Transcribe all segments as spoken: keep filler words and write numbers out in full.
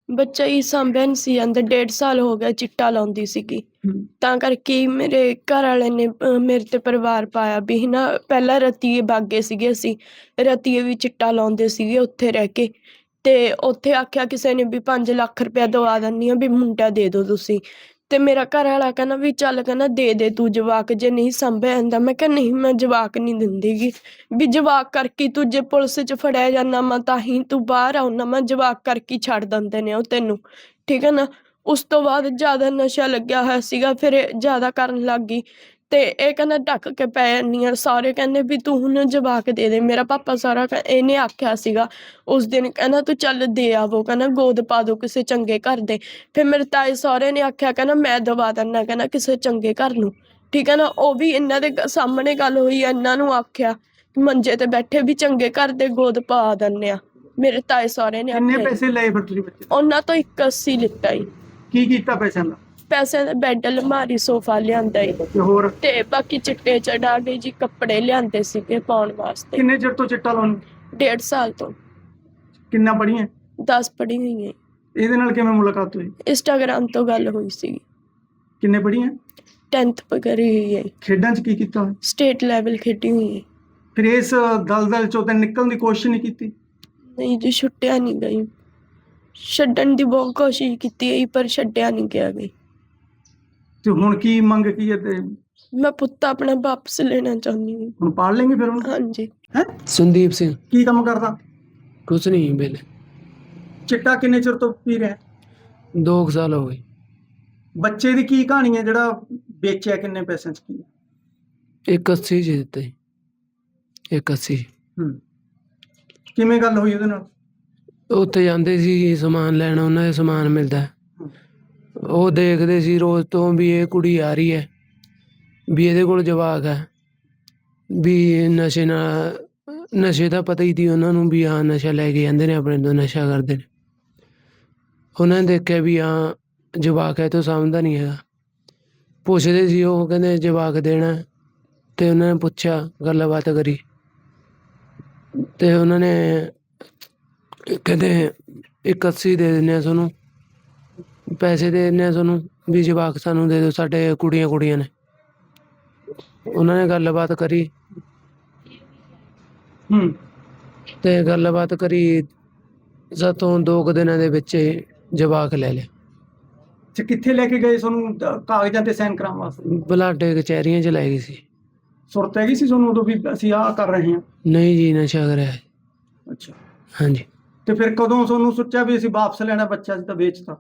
ਬੱਚਾ ਹੀ ਸਾਂਭਿਆ ਨਹੀਂ ਸੀ ਜਾਂਦਾ। ਡੇਢ ਸਾਲ ਹੋ ਗਿਆ ਚਿੱਟਾ ਲਾਉਂਦੀ ਸੀਗੀ। ਤਾਂ ਕਰਕੇ ਹੀ ਮੇਰੇ ਘਰ ਵਾਲੇ ਨੇ ਅਹ, ਮੇਰੇ ਤੇ ਪਰਿਵਾਰ ਪਾਇਆ ਵੀ ਨਾ ਪਹਿਲਾਂ ਰਤੀਏ ਬਾਗੇ ਸੀਗੇ, ਅਸੀਂ ਰਤੀਏ ਵੀ ਚਿੱਟਾ ਲਾਉਂਦੇ ਸੀਗੇ ਉੱਥੇ ਰਹਿ ਕੇ। ਤੇ ਉੱਥੇ ਆਖਿਆ ਕਿਸੇ ਨੇ ਵੀ ਪੰਜ ਲੱਖ ਰੁਪਇਆ ਦਵਾ ਦਿੰਦੀ ਆ ਵੀ ਮੁੰਡਾ ਦੇ ਦਿਓ ਤੁਸੀਂ। ਤੇ ਮੇਰਾ ਘਰ ਵਾਲਾ ਕਹਿੰਦਾ ਵੀ ਚੱਲ ਕਹਿੰਦਾ ਦੇ ਦੇ ਤੂੰ ਜਵਾਕ, ਜੇ ਨਹੀਂ ਸਾਂਭਿਆ ਜਾਂਦਾ। ਮੈਂ ਕਿਹਾ ਨਹੀਂ, ਮੈਂ ਜਵਾਕ ਨਹੀਂ ਦਿੰਦੀਗੀ ਵੀ ਜਵਾਕ ਕਰਕੇ ਤੂੰ ਜੇ ਪੁਲਿਸ 'ਚ ਫੜਿਆ ਜਾਂਦਾ ਮੈਂ ਤਾਂ ਹੀ ਤੂੰ ਬਾਹਰ ਆਉਣਾ, ਮੈਂ ਜਵਾਕ ਕਰਕੇ ਛੱਡ ਦਿੰਦੇ ਨੇ ਉਹ ਤੈਨੂੰ, ਠੀਕ ਹੈ ਨਾ। ਉਸ ਤੋਂ ਬਾਅਦ ਜ਼ਿਆਦਾ ਨਸ਼ਾ ਲੱਗਿਆ ਹੋਇਆ ਸੀਗਾ, ਫਿਰ ਇਹ ਜ਼ਿਆਦਾ ਕਰਨ ਲੱਗ ਗਈ। ਤੇ ਇਹ ਕਹਿੰਦਾ ਢੱਕ ਕੇ ਪੈ ਜਾਂਦੀ ਆ। ਸਾਰੇ ਕਹਿੰਦੇ ਵੀ ਤੂੰ ਹੁਣ ਜਵਾਕ ਦੇ ਦੇ। ਮੇਰਾ ਪਾਪਾ ਸਾਰਾ ਕਹਿ- ਇਹਨੇ ਆਖਿਆ ਸੀਗਾ ਉਸ ਦਿਨ, ਕਹਿੰਦਾ ਤੂੰ ਚੱਲ ਦੇ ਆਵੋ, ਕਹਿੰਦਾ ਗੋਦ ਪਾ ਦੋ ਕਿਸੇ ਚੰਗੇ ਘਰ ਦੇ। ਫਿਰ ਮੇਰੇ ਤਾਏ ਸਹੁਰੇ ਨੇ ਆਖਿਆ, ਕਹਿੰਦਾ ਮੈਂ ਦਵਾ ਦਿੰਦਾ, ਕਹਿੰਦਾ ਕਿਸੇ ਚੰਗੇ ਘਰ ਨੂੰ, ਠੀਕ ਹੈ ਨਾ। ਉਹ ਵੀ ਇਹਨਾਂ ਦੇ ਗ- ਸਾਹਮਣੇ ਗੱਲ ਹੋਈ, ਇਹਨਾਂ ਨੂੰ ਆਖਿਆ ਮੰਜੇ ਤੇ ਬੈਠੇ ਵੀ ਚੰਗੇ ਘਰ ਦੇ ਗੋਦ ਪਾ ਦਿੰਦੇ ਆ। ਮੇਰੇ ਤਾਏ ਸਹੁਰੇ ਨੇ ਕਿੰਨੇ ਆਖਿਆ ਜੀ। ਪੈਸੇ ਲਏ ਫਿਰ ਤੁਸੀਂ ਬੱਚੇ ਤੋਂ? ਉਹਨਾਂ ਤੋਂ ਇੱਕ ਅੱਸੀ ਲਿੱਤਾ ਜੀ। ਕੀ ਕੀਤਾ ਪੈਸਿਆਂ ਦਾ? ਪੈਸੇ ਦਾ ਬੈੱਡ, ਅਲਮਾਰੀ, ਸੋਫਾ ਲਿਆਂਦਾ ਜੀ। ਤੇ ਹੋਰ ਤੇ ਬਾਕੀ ਚਿੱਟੇ ਚੜਾ ਕੇ ਜੀ ਕੱਪੜੇ ਲਿਆਂਦੇ ਸੀਗੇ ਪਾਉਣ ਵਾਸਤੇ। ਕਿੰਨੇ ਚਿਰ ਤੋਂ ਚਿੱਟਾ ਲਾਉਣ? ਡੇਢ ਸਾਲ ਤੋਂ। ਕਿੰਨਾ ਪੜ੍ਹੀਆਂ? ਦਸ ਪੜ੍ਹੀ ਹੋਈ ਹੈ। ਇਹਦੇ ਨਾਲ ਕਿਵੇਂ ਮੁਲਾਕਾਤ ਹੋਈ? ਇੰਸਟਾਗ੍ਰਾਮ ਤੋਂ ਗੱਲ ਹੋਈ ਸੀ। ਕਿੰਨੇ ਪੜ੍ਹੀਆਂ? ਟੈਂਥ ਕਰੀ ਹੋਈ ਹੈ। ਖੇਡਾਂ 'ਚ ਕੀ ਕੀਤਾ ਹੋਇਆ? ਸਟੇਟ ਲੈਵਲ ਖੇਡੀ ਹੋਈ ਹੈ। ਫਿਰ ਇਸ ਦਲਦਲ ਚੋਂ ਤਾਂ ਨਿਕਲਣ ਦੀ ਕੋਸ਼ਿਸ਼ ਨਹੀਂ ਕੀਤੀ? ਨਹੀਂ ਜੀ, ਛੁੱਟਿਆ ਨਹੀਂ ਗਈ। ਛੱਡਣ ਦੀ ਬਹੁਤ ਕੋਸ਼ਿਸ਼ ਕੀਤੀ ਹੈ ਪਰ ਛੱਡਿਆ ਨਹੀਂ ਗਿਆ ਗਈ। ਤੇ ਹੁਣ ਕੀ ਮੰਗ ਕੀ ਹੈ? ਤੇ ਮੈਂ ਪੁੱਤ ਆਪਣਾ ਵਾਪਸ ਲੈਣਾ ਚਾਹੁੰਦੀ ਹਾਂ। ਹੁਣ ਪਾਲ ਲੈਂਗੇ ਫਿਰ ਹੁਣ? ਹਾਂਜੀ। ਹੈ ਸੰਦੀਪ ਸਿੰਘ। ਕੀ ਕੰਮ ਕਰਦਾ? ਕੁਛ ਨਹੀਂ ਵੇਲੇ। ਚਿੱਟਾ ਕਿੰਨੇ ਚਿਰ ਤੋਂ ਪੀ ਰਿਹਾ? ਦੋ ਕੁ ਸਾਲ ਹੋ ਗਏ। ਬੱਚੇ ਦੀ ਕੀ ਕਹਾਣੀ ਹੈ ਜਿਹੜਾ ਵੇਚਿਆ? ਕਿੰਨੇ ਪੈਸਿਆਂ 'ਚ ਕੀ? ਇੱਕ ਅੱਸੀ ਚ ਦਿੱਤੇ। ਇੱਕ ਅੱਸੀ। ਹੂੰ। ਕਿਵੇਂ ਗੱਲ ਹੋਈ ਉਹਦੇ ਨਾਲ? ਉੱਥੇ ਜਾਂਦੇ ਸੀ ਸਮਾਨ ਲੈਣ, ਉਹਨਾਂ ਦੇ ਸਮਾਨ ਮਿਲਦਾ। ਉਹ ਦੇਖਦੇ ਸੀ ਰੋਜ਼ ਤੋਂ ਵੀ ਇਹ ਕੁੜੀ ਆ ਰਹੀ ਹੈ, ਵੀ ਇਹਦੇ ਕੋਲ ਜਵਾਕ ਹੈ, ਵੀ ਨਸ਼ੇ ਨਾਲ ਨਸ਼ੇ ਦਾ ਪਤਾ ਹੀ ਸੀ ਉਹਨਾਂ ਨੂੰ ਵੀ ਹਾਂ ਨਸ਼ਾ ਲੈ ਕੇ ਜਾਂਦੇ ਨੇ ਆਪਣੇ ਤੋਂ, ਨਸ਼ਾ ਕਰਦੇ ਨੇ। ਉਹਨਾਂ ਨੇ ਦੇਖਿਆ ਵੀ ਹਾਂ ਜਵਾਕ ਹੈ ਤੋਂ ਸਮਝਦਾ ਨਹੀਂ ਹੈਗਾ। ਪੁੱਛਦੇ ਸੀ, ਉਹ ਕਹਿੰਦੇ ਜਵਾਕ ਦੇਣਾ। ਤੇ ਉਹਨਾਂ ਨੇ ਪੁੱਛਿਆ, ਗੱਲਬਾਤ ਕਰੀ, ਤੇ ਉਹਨਾਂ ਨੇ ਕਹਿੰਦੇ ਇੱਕ ਅੱਸੀ ਦੇ ਦਿੰਦੇ ਆ ਤੁਹਾਨੂੰ, ਪੈਸੇ ਦੇ ਦਿੰਦੇ ਆ ਤੁਹਾਨੂੰ, ਵੀ ਜਵਾਕ ਸਾਨੂੰ ਦੇ ਦਿਓ, ਸਾਡੇ ਕੁੜੀਆਂ ਕੁੜੀਆਂ ਨੇ। ਉਹਨਾਂ ਨੇ ਗੱਲਬਾਤ ਕਰੀ ਹੂੰ। ਤੇ ਗੱਲਬਾਤ ਕਰੀ ਸਾਤੋਂ ਦੋ ਕੁ ਦਿਨਾਂ ਦੇ ਵਿੱਚ ਹੀ ਜਵਾਕ ਲੈ ਲਿਆ। ਤੇ ਕਿੱਥੇ ਲੈ ਕੇ ਗਏ ਤੁਹਾਨੂੰ ਦ- ਕਾਗਜ਼ਾਂ ਤੇ ਸਾਈਨ ਕਰਾਉਣ ਵਾਸਤੇ? ਬਲਾਡੇ ਕਚਹਿਰੀਆਂ ਚ ਲੈ ਗਈ ਸੀ। ਸੁਰਤ ਹੈਗੀ ਸੀ ਤੁਹਾਨੂੰ ਉਦੋਂ ਵੀ ਅਸੀਂ ਆਹ ਕਰ ਰਹੇ ਹਾਂ? ਨਹੀਂ ਜੀ, ਨਸ਼ਾ ਕਰਿਆ। ਅੱਛਾ। ਹਾਂਜੀ। ਤੇ ਫਿਰ ਕਦੋਂ ਤੁਹਾਨੂੰ ਸੋਚਿਆ ਵੀ ਅਸੀਂ ਵਾਪਸ ਲੈਣਾ ਬੱਚਾ, ਅਸੀਂ ਤਾਂ ਵੇਚਤਾ?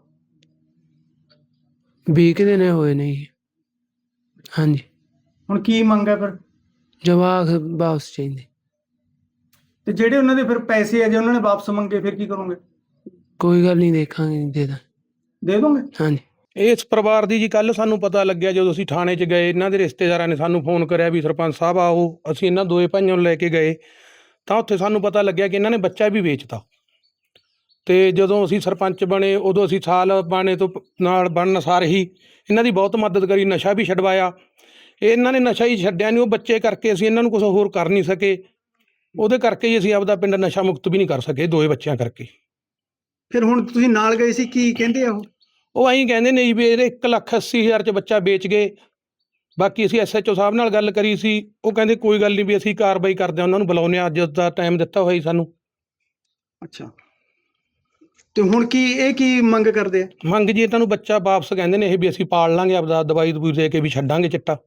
ਵੀਹ ਕੁ ਦਿਨ ਹੋਏ ਨੇ ਜੀ। ਹਾਂਜੀ। ਹੁਣ ਕੀ ਮੰਗ ਹੈ ਫਿਰ? ਜਵਾਕ ਵਾਪਸ ਚਾਹੀਦੇ। ਤੇ ਜਿਹੜੇ ਉਹਨਾਂ ਦੇ ਫਿਰ ਪੈਸੇ ਆ, ਜੇ ਉਹਨਾਂ ਨੇ ਵਾਪਸ ਮੰਗੇ ਫਿਰ ਕੀ ਕਰੋਗੇ? ਕੋਈ ਗੱਲ ਨਹੀਂ, ਦੇਖਾਂਗੇ, ਦੇ ਦਾਂ। ਦੇ ਦੋਗੇ? ਹਾਂਜੀ। ਇਸ ਪਰਿਵਾਰ ਦੀ ਜੀ ਕੱਲ ਸਾਨੂੰ ਪਤਾ ਲੱਗਿਆ ਜਦੋਂ ਅਸੀਂ ਥਾਣੇ 'ਚ ਗਏ। ਇਹਨਾਂ ਦੇ ਰਿਸ਼ਤੇਦਾਰਾਂ ਨੇ ਸਾਨੂੰ ਫੋਨ ਕਰਿਆ ਵੀ ਸਰਪੰਚ ਸਾਹਿਬ ਆਓ। ਅਸੀਂ ਇਹਨਾਂ ਦੋਏ ਭਾਈਆਂ ਨੂੰ ਲੈ ਕੇ ਗਏ ਤਾਂ ਉੱਥੇ ਸਾਨੂੰ ਪਤਾ ਲੱਗਿਆ ਕਿ ਇਹਨਾਂ ਨੇ ਬੱਚਾ ਵੀ ਵੇਚਤਾ। ਤੇ ਜਦੋਂ ਅਸੀਂ ਸਰਪੰਚ ਬਣੇ ਉਦੋਂ ਅਸੀਂ ਸਾਲ ਬਾਣੇ ਤੋਂ ਪ- ਨਾਲ ਬਣਨ ਸਾਰ ਹੀ ਇਹਨਾਂ ਦੀ ਬਹੁਤ ਮਦਦ ਕਰੀ, ਨਸ਼ਾ ਵੀ ਛਡਵਾਇਆ। ਇਹਨਾਂ ਨੇ ਨਸ਼ਾ ਹੀ ਛੱਡਿਆ ਨਹੀਂ, ਉਹ ਬੱਚੇ ਕਰਕੇ ਅਸੀਂ ਇਹਨਾਂ ਨੂੰ ਕੁਝ ਹੋਰ ਕਰ ਨਹੀਂ ਸਕੇ। ਉਹਦੇ ਕਰਕੇ ਹੀ ਅਸੀਂ ਆਪਦਾ ਪਿੰਡ ਨਸ਼ਾ ਮੁਕਤ ਵੀ ਨਹੀਂ ਕਰ ਸਕੇ, ਦੋਏ ਬੱਚਿਆਂ ਕਰਕੇ। ਫਿਰ ਹੁਣ ਤੁਸੀਂ ਨਾਲ ਗਏ ਸੀ, ਕੀ ਕਹਿੰਦੇ ਆ ਉਹ? ਉਹ ਐਂ ਕਹਿੰਦੇ ਨੇ ਜੀ ਵੀ ਇਹਦੇ ਇੱਕ ਲੱਖ ਅੱਸੀ ਹਜ਼ਾਰ 'ਚ ਬੱਚਾ ਵੇਚ ਗਏ। ਬਾਕੀ ਅਸੀਂ ਐਸ ਐਚ ਓ ਸਾਹਿਬ ਨਾਲ ਗੱਲ ਕਰੀ ਸੀ, ਉਹ ਕਹਿੰਦੇ ਕੋਈ ਗੱਲ ਨਹੀਂ ਵੀ ਅਸੀਂ ਕਾਰਵਾਈ ਕਰਦੇ ਹਾਂ, ਉਹਨਾਂ ਨੂੰ ਬੁਲਾਉਂਦੇ ਹਾਂ, ਅੱਜ ਦਾ ਟਾਈਮ ਦਿੱਤਾ ਹੋਇਆ ਜੀ ਸਾਨੂੰ। ਅੱਛਾ। ਤੇ ਹੁਣ ਕੀ ਇਹ ਕੀ ਮੰਗ ਕਰਦੇ ਆ? ਮੰਗ ਜੀ ਇਹਨਾਂ ਨੂੰ ਬੱਚਾ ਵਾਪਸ ਕਹਿੰਦੇ ਨੇ ਇਹ ਵੀ ਅਸੀਂ ਪਾਲ ਲਾਂਗੇ, ਆਪਦਾ ਦਵਾਈ ਦਵੂਈ ਦੇ ਕੇ ਵੀ ਛੱਡਾਂਗੇ ਚਿੱਟਾ।